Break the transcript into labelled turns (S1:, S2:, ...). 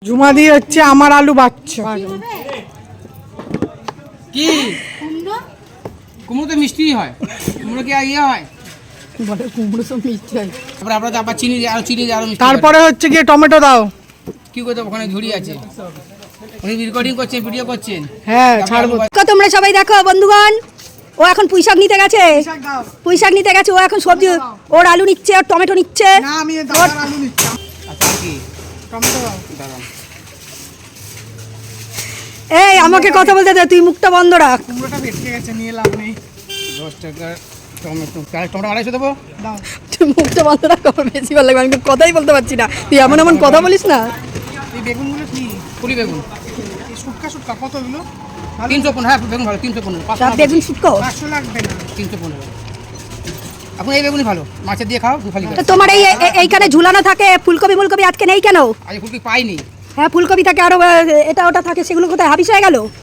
S1: ঝুমাদি হচ্ছে আমার আলু বাচ্চা
S2: কি কুমড়ো তো মিষ্টি হয়, কুমড়ো কি ইয়ে হয়
S1: বলে কুমড়ো সব মিষ্টি হয়।
S2: তারপরে আপনার আবার চিনি দিয়ে আরো চিনি দিয়ে আরো মিষ্টি
S1: তারপরে হচ্ছে গিয়ে টমেটো দাও।
S2: কি করতে ওখানে ঝুড়ি আছে, উনি রেকর্ডিং করছেন, ভিডিও করছেন।
S1: হ্যাঁ ছাড়বো।
S3: তোমরা সবাই দেখো বন্ধুগণ, ও এখন পুঁইশাক নিতে গেছে, পুঁইশাক নিতে গেছে। ও এখন সবজি, ওর আলু নিচ্ছে, ওর টমেটো নিচ্ছে।
S1: না আমি দাদার আলু নিচ্ছি।
S2: আচ্ছা কি
S1: টমেটো দাও।
S2: দাঁড়ান,
S3: এই আমাকে কথা বলতে দে, তুই মুখটা বন্ধ রাখ।
S1: কুমড়োটা ভেটকে গেছে, নিয়ে লাভ নেই।
S2: 10 টাকা টমেটো, টমেটো 250 দেবো।
S1: দাও।
S3: তুই মুখটা বন্ধ রাখ, আমার বেশি ভালো লাগবে। আমি তো কথাই বলতে পারছি না, তুই এমন এমন কথা বলিস না।
S1: এই বেগুনগুলো কি?
S2: কুলি বেগুন
S1: এই শুটকা শুটকা কত এগুলো?
S2: 315। হ্যাঁ বেগুন ভালো, 315।
S3: তা বেগুন শুটকো?
S1: 500 লাগবে না।
S2: 315। এখন এই বেগুনই ভালো, মাছের দিয়ে খাও দুফালি।
S3: তো তোমার এইখানে ঝুলানো থাকে ফুলকপি মুলকপি, আজকে নেই কেন?
S2: আজ ফুলকপি পাইনি।
S3: হ্যাঁ ফুলকপি থাকে, আরো এটা ওটা থাকে, সেগুলো কোথায় হাবিস হয়ে গেল?